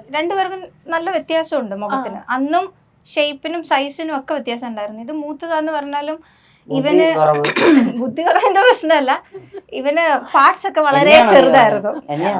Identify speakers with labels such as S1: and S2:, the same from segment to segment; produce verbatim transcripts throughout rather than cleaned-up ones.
S1: രണ്ടുപേർക്കും നല്ല വ്യത്യാസമുണ്ട് മുഖത്തിന്. അന്നും ഷേപ്പിനും സൈസിനും ഒക്കെ വ്യത്യാസം ഉണ്ടായിരുന്നു. ഇത് മൂത്തതാന്ന് പറഞ്ഞാലും ഇവന് ബുദ്ധി കുറവിന്റെ പ്രശ്നമല്ല, ഇവന് പാർട്സ് ഒക്കെ വളരെ ചെറുതായിരുന്നു.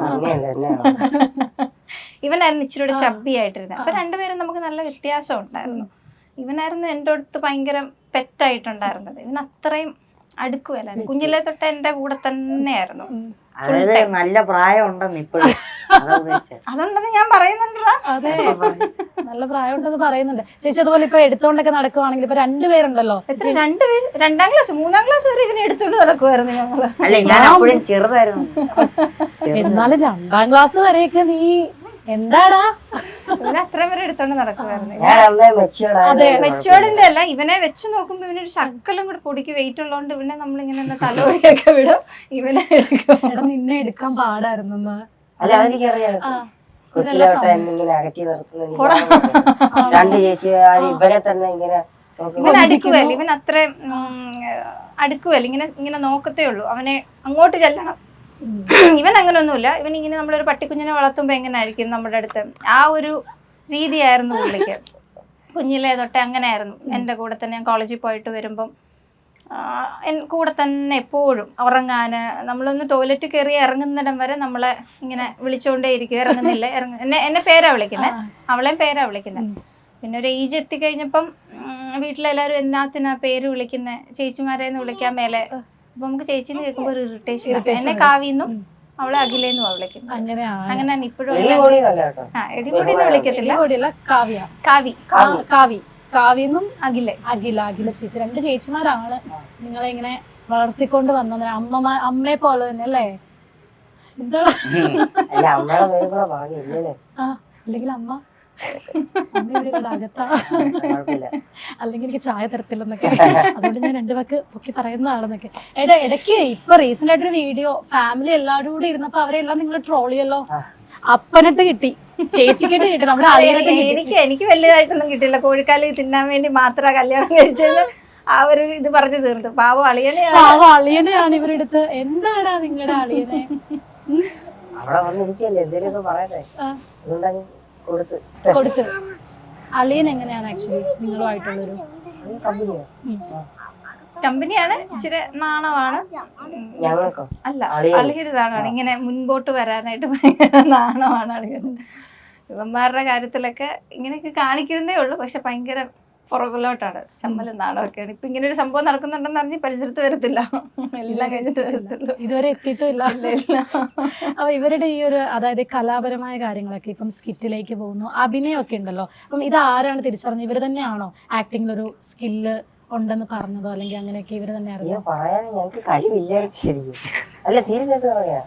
S1: ഇവനായിരുന്നു ഇച്ചിരി കൂടെ ചബ്ബി ആയിട്ടിരുന്നത്. അപ്പൊ രണ്ടുപേരും നമുക്ക് നല്ല വ്യത്യാസം ഉണ്ടായിരുന്നു. ഇവനായിരുന്നു എൻ്റെ അടുത്ത് ഭയങ്കര പെറ്റായിട്ടുണ്ടായിരുന്നത്. ഇവന് അത്രയും അടുക്കുവല്ലായിരുന്നു. കുഞ്ഞിലെ തൊട്ട് എന്റെ കൂടെ തന്നെയായിരുന്നു.
S2: അതായത് നല്ല പ്രായം ഉണ്ടെന്ന് ഇപ്പോഴും
S1: അതുണ്ടെന്ന് ഞാൻ പറയുന്നുണ്ടല്ലോ.
S3: അതെ, നല്ല പ്രായം ഉണ്ടെന്ന് പറയുന്നുണ്ട് ചേച്ചി. അതുപോലെ ഇപ്പൊ എടുത്തോണ്ടൊക്കെ നടക്കുവാണെങ്കിൽ ഇപ്പൊ രണ്ടുപേരുണ്ടല്ലോ,
S1: എത്ര രണ്ടുപേര് രണ്ടാം ക്ലാസ് മൂന്നാം ക്ലാസ് വരെ ഇവനെ എടുത്തോണ്ട് നടക്കുമായിരുന്നു ഞങ്ങള്.
S2: അല്ല ഞാൻ അപ്പോഴും ചെറുതായിരുന്നു.
S3: എന്നാലും രണ്ടാം ക്ലാസ് വരെയൊക്കെ നീ എന്താടാ
S1: ഇവനെ അത്രയും വരെ എടുത്തോണ്ട് നടക്കുമായിരുന്നു.
S2: അതെ,
S1: മെച്ചോർഡിന്റെ അല്ല, ഇവനെ വെച്ച് നോക്കുമ്പോ ഇവനൊരു ശക്കലും കൂടെ പൊടിക്ക് വെയിറ്റ് ഉള്ളതുകൊണ്ട് ഇവനെ നമ്മളിങ്ങനെ തലവഴിയൊക്കെ വിടും, ഇവനെ എടുക്കും.
S3: നിന്നെ എടുക്കാൻ പാടായിരുന്നു.
S2: അല്ല അതെനിക്കറിയാം. കൊച്ചിലോട്ട് ഇങ്ങനെ അകറ്റി നിർത്തുന്ന രണ്ട് ചേച്ചിമാര് ഇവരെ തന്നെ ഇങ്ങനെ
S1: ഇവൻ അടുക്കുവല്ല, ഇവൻ അത്ര അടുക്കുവല്ല, ഇങ്ങനെ ഇങ്ങനെ നോക്കത്തേ ഉള്ളൂ. അവനെ അങ്ങോട്ട് ചെല്ലണം. ഇവൻ അങ്ങനെയൊന്നുമില്ല. ഇവൻ ഇങ്ങനെ നമ്മളൊരു പട്ടിക്കുഞ്ഞിനെ വളർത്തുമ്പോ എങ്ങനെ ആയിരിക്കും നമ്മുടെ അടുത്ത്, ആ ഒരു രീതിയായിരുന്നു പുള്ളിക്ക്. കുഞ്ഞിലെ തൊട്ടേ അങ്ങനെയായിരുന്നു. എൻ്റെ കൂടെ തന്നെ ഞാൻ കോളേജിൽ പോയിട്ട് വരുമ്പം കൂടെ തന്നെ എപ്പോഴും ഉറങ്ങാന്, നമ്മളൊന്ന് ടോയ്ലറ്റ് കയറി ഇറങ്ങുന്നിടം വരെ നമ്മളെ ഇങ്ങനെ വിളിച്ചുകൊണ്ടേ ഇരിക്കും. ഇറങ്ങുന്നില്ല ഇറങ്ങ എന്നെ എന്നെ പേരാ വിളിക്കുന്നത്, അവളെയും പേരാ വിളിക്കുന്നത്. പിന്നെ ഒരു ഏജ് എത്തിക്കഴിഞ്ഞപ്പം വീട്ടിലെല്ലാവരും എന്നാത്തിനാ പേര് വിളിക്കുന്നത്, ചേച്ചിമാരെന്ന് വിളിക്കാൻ മേലെ. അപ്പൊ നമുക്ക് ചേച്ചിന്ന് കേൾക്കുമ്പോ ഒരു ഇറിറ്റേഷൻ. എന്നെ കാവിന്നും അവളെ അഖിലേന്നും വിളിക്കുന്നത്. അങ്ങനെ ഇപ്പോഴും ആ എടിപൊടിന്ന് വിളിക്കത്തില്ല,
S3: കാവ്യ
S1: കാവി
S3: കാവി കാവ്യെന്നും
S1: അഖില
S3: അഖില അഖില ചേച്ചി. രണ്ട് ചേച്ചിമാരാണ് നിങ്ങളെ ഇങ്ങനെ വളർത്തിക്കൊണ്ട് വന്നത്. അമ്മ അമ്മയെ പോലെ തന്നെ അല്ലേ? എന്താണ് ആ അല്ലെങ്കിൽ അമ്മ അകത്താ, അല്ലെങ്കിൽ എനിക്ക് ചായ തരത്തില്ലെന്നൊക്കെ. അതുകൊണ്ട് ഞാൻ രണ്ടു വാക്ക് പൊക്കി പറയുന്നതാണെന്നൊക്കെ. എടാ ഇടയ്ക്ക് ഇപ്പൊ റീസെന്റ് ആയിട്ടൊരു വീഡിയോ ഫാമിലി എല്ലാവരും കൂടി ഇരുന്നപ്പോ അവരെല്ലാം നിങ്ങൾ ട്രോൾ ചെയ്യല്ലോ. അപ്പനിട്ട് കിട്ടി, ചേച്ചിക്കിട്ട് കിട്ടി, നമ്മുടെ അളിയനിട്ട് കിട്ടി.
S1: എനിക്ക് എനിക്ക് വലുതായിട്ടൊന്നും കിട്ടില്ല. കോഴിക്കാല് തിന്നാൻ വേണ്ടി മാത്രമാണ് കല്യാണം കഴിച്ചത്. ആ ഒരു ഇത് പറഞ്ഞു തീർത്തു. പാവം അളിയനെ
S3: പാവം അളിയനെയാണ് ഇവരെടുത്ത്. എന്താടാ നിങ്ങളുടെ അളിയനെ
S2: അവിടെ വന്നിരിക്കല്ലേ എന്തേലും പറയട്ടെ
S3: കൊടുത്ത്. അളിയൻ എങ്ങനെയാണ് ആക്ച്വലി നിങ്ങളുമായിട്ടുള്ളൊരു
S1: കമ്പനിയാണ്? ഇച്ചിരി നാണമാണ്. അല്ല അളിയൊരു നാണമാണ്, ഇങ്ങനെ മുൻപോട്ട് വരാനായിട്ട് ഭയങ്കര നാണമാണ് അളിയത്. ഇവന്മാരുടെ കാര്യത്തിലൊക്കെ ഇങ്ങനെയൊക്കെ കാണിക്കുന്നതേ ഉള്ളൂ, പക്ഷെ ഭയങ്കര പുറകിലോട്ടാണ്. ചമ്മലും നാണമൊക്കെയാണ്. ഇപ്പൊ ഇങ്ങനെ ഒരു സംഭവം നടക്കുന്നുണ്ടെന്ന് അറിഞ്ഞ് പരിസരത്ത് വരത്തില്ല, എല്ലാം കഴിഞ്ഞിട്ട് വരത്തുള്ളൂ.
S3: ഇതുവരെ എത്തിയിട്ടില്ല. അപ്പൊ ഇവരുടെ ഈ ഒരു അതായത് കലാപരമായ കാര്യങ്ങളൊക്കെ ഇപ്പം സ്കിറ്റിലേക്ക് പോകുന്നു, അഭിനയമൊക്കെ ഉണ്ടല്ലോ. അപ്പം ഇത് ആരാണ് തിരിച്ചറിഞ്ഞത്? ഇവര് തന്നെയാണോ ആക്ടിങ്ങിലൊരു സ്കില്ല് ഉണ്ടെന്ന് പറഞ്ഞതോ, അല്ലെങ്കിൽ അങ്ങനെയൊക്കെ ഇവര് തന്നെ അറിയാം?
S2: പറയാൻ ഞങ്ങൾക്ക് കഴിവില്ലായിരുന്നു ശരിക്കും. അല്ല സീരിയസ് ആയിട്ട് പറയാ,